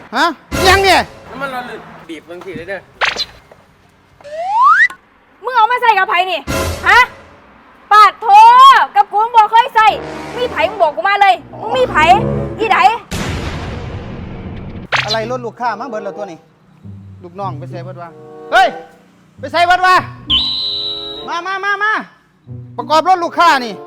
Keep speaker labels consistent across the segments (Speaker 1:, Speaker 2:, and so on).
Speaker 1: ฮะยังเนี่ย
Speaker 2: น้ำมันร้อนบีบบางทีเลยเด้อ
Speaker 3: มึงเอามาใส่กับไผ่นี่ฮะปาดโถกับกูมึงบอกเคยใส่มีไผ่มึงบอกกูมาเลยมึงมีไผ่อีได
Speaker 1: อะไรรถลูกค้ามาเบิดแล้วตัวนี้ลูกน้องไปใส่เบิดว่าเฮ้ยไปใส่เบิดว่ามาประกอบรถลูกค้านี่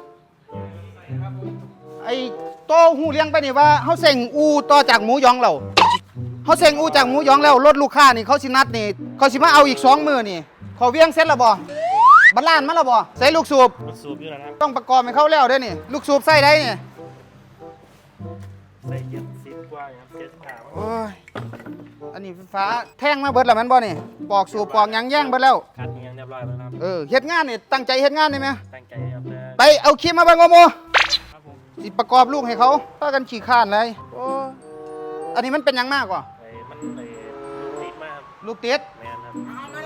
Speaker 1: ไอ้โตหูเลี้ยงไปนี่ว่าเขาเส่งอูต่อจากหมูยองเราเขาเส่งอูจากหมูยองแล้วรถลูกค้านี่เขาสินัดนี่เขาสิมาเอาอีก2 มื้อนี่เขาเวียงเสร็จแล้วบ่บัลลานมาแล้วบ่ใส่ลูกสูบ
Speaker 2: อยู่แล้วครับ
Speaker 1: ต้องประกอบให้เขาแล้วได้นี่ลูกสูบใส่ได้นี่
Speaker 2: ใส่70 กว่าครับ75
Speaker 1: โอ้ยอันนี้ไฟฟ้าแท่งมาเบิดแล้วมันบ่นี่ปอกสูบปอกยังแย่งเบิดแล้ว
Speaker 2: คัดเงี้ยเรียบร้อยแล้วครับ
Speaker 1: เฮ็ดงานนี่ตั้งใจเฮ็ดงานได้ไหม
Speaker 2: ตั้งใจครับ
Speaker 1: ไปเอาคลิปมาเบิ่งโม
Speaker 2: ครับผม
Speaker 1: สิประกอบลูกให้เขาพากันขี้ข้านเลยโอ้อันนี้มันเป็นยังมากกว่า
Speaker 2: มันลูกติดมากครับ
Speaker 1: ลูกติด
Speaker 2: แมนครับ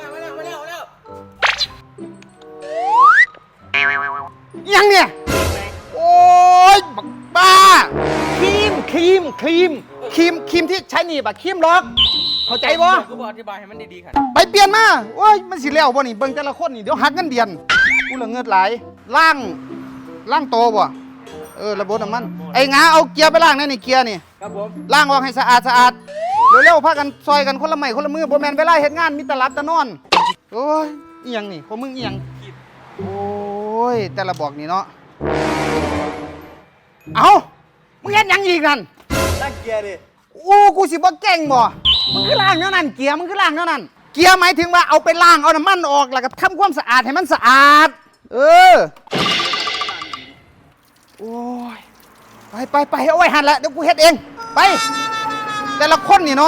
Speaker 1: ยังเนี่ยโอ้ยบักบ้าครีมที่ใช้หนีบอะครีมล็อกเข้าใจบ่
Speaker 2: กูบอกอธิบายให้มันดีๆค่ะ
Speaker 1: ไปเปลี่ยนมาโอ้ยมันสิแล้วบ่นี่เบิ่งแต่ละคนนี่เดี๋ยวหักเงินเดือนกูละเงิดหลายล่างโตบ่ระบบน้ำมันไอ้งาเอาเกียร์ไปล้างนั่นนี่เกียร์นี่
Speaker 2: ครับผม
Speaker 1: ล้างออกให้สะอาดเร็วๆพากันซอยกันคนละไม้คนละมือบ่แม่นเวลาเฮ็ดงานมีแต่หลับแต่นอนโอ้ยอีหยังนี่ของมึงอีหยังโอ้ยแต่ละบอกนี่เนาะเอามึงเฮ็ดหยังอีกนั่น
Speaker 2: ล้างเกียร์ดิ
Speaker 1: โอ้กูสิบ่เก่งบ่มึงคือล้างเท่านั้นเกียร์มึงคือล้างเท่านั้นเกียร์หมายถึงว่าเอาไปล้างเอาน้ำมันออกแล้วก็ทำความสะอาดให้มันสะอาดโอ้ยไปเอาไว้หันละเดี๋ยวกูเฮ็ดเองไปแต่ละคนนี่เนาะ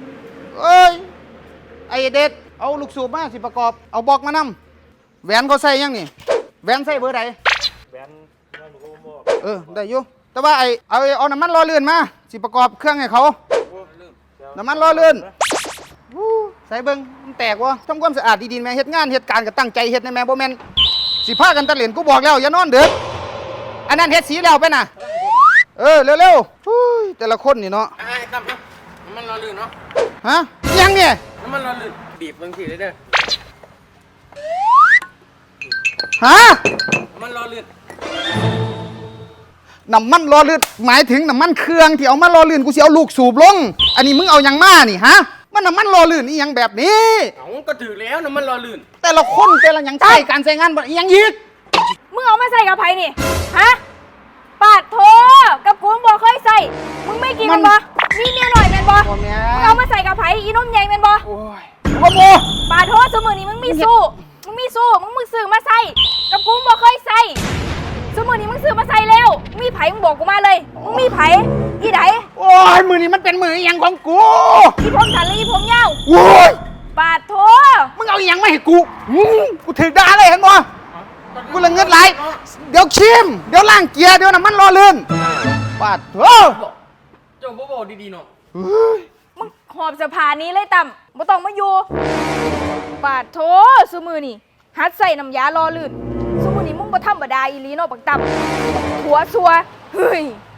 Speaker 1: ไอเด็ดเอาลูกสูบมาสิประกอบเอาบอกมานำแหวนเขาใส่ยังนี่แหวนใส่เบอร์ใด
Speaker 2: แหวนหนูก็บอก
Speaker 1: ได้อยู่แต่ว่าเอาน้ำมันรอเลื่อนมาสิประกอบเครื่องให้เขาน้ำมันรอเลื่อนใส่เบิ้งมันแตกวะทำความสะอาดดีๆแม่เฮ็ดงานเฮ็ดการก็ตั้งใจเฮ็ดในแม่บ่แม่นสิพากันตะเหรียญกูบอกแล้วอย่านอนเด้ออันนั้นเฮ็ดสีแล้วไปน่ะเร็วๆแต่ละคนนี่เนาะ
Speaker 2: ครับน้ำมันร้อนเนาะ
Speaker 1: ฮะยังเนี่ย
Speaker 2: น้ำมันร้อนบีบบางทีเลยเด้อ
Speaker 1: ฮะ
Speaker 2: น้ำมันร้อน
Speaker 1: หมายถึงน้ำมันเครื่องที่เอามารอลื่นกูสิเอาลูกสูบลงอันนี้มึงเอายังมานี่ฮะมันน้ำมันรอลื่นอีหยังแบบนี้
Speaker 2: ก็ถือแล้วน้ำมันร้อน
Speaker 1: แต่ละคนแต่ละหยังใช้การใช้งานบ่อีหยังอีก
Speaker 3: มึงเอามาใส่กับไผ่นี่ฮะปาดโถกับกูมึงบอกเคยใส่มึงไม่กินมันบ่นี่เมียหน่อยแม่นบ่มึงเอามาใส่กับไผ่อีนุ่มใหญ่แม่นบ่
Speaker 1: โอ้ยโอ้โห
Speaker 3: ปาดโถสมือนี้มึงมีสู้มึงซื้อมาใส่กับกูมึงบอกเคยใส่สมือนี้มึงซื้อมาใส่แล้วมีไผ่มึงบอกกูมาเลยมึงมีไผ่อีได
Speaker 1: โอ้ยมือนี้มันเป็นมืออีหยังของกู
Speaker 3: อีผมสันและอีผมยาว
Speaker 1: โอ้ย
Speaker 3: ปาดโถ
Speaker 1: มึงเอาอีหยังมาให้กูถือด่าเลยเห็นบ่กูละเงินไหลเดี๋ยวชิมเดี๋ยวล้างเกียร์เดี๋ยวน้ำมันรอเลื่อนปาดโถ
Speaker 2: เจ้าบ่บอกดีๆเนาะ
Speaker 3: มึงหอบสะพานนี้เลยต่ำบ่ต้องมาอยู่ปาดโถสมือนี่หัดใส่น้ำยารอลื่นสมือนี่มึงบ่ธรรมดาอีหลีเนาะบักต่ำหัวซัวเฮ้ย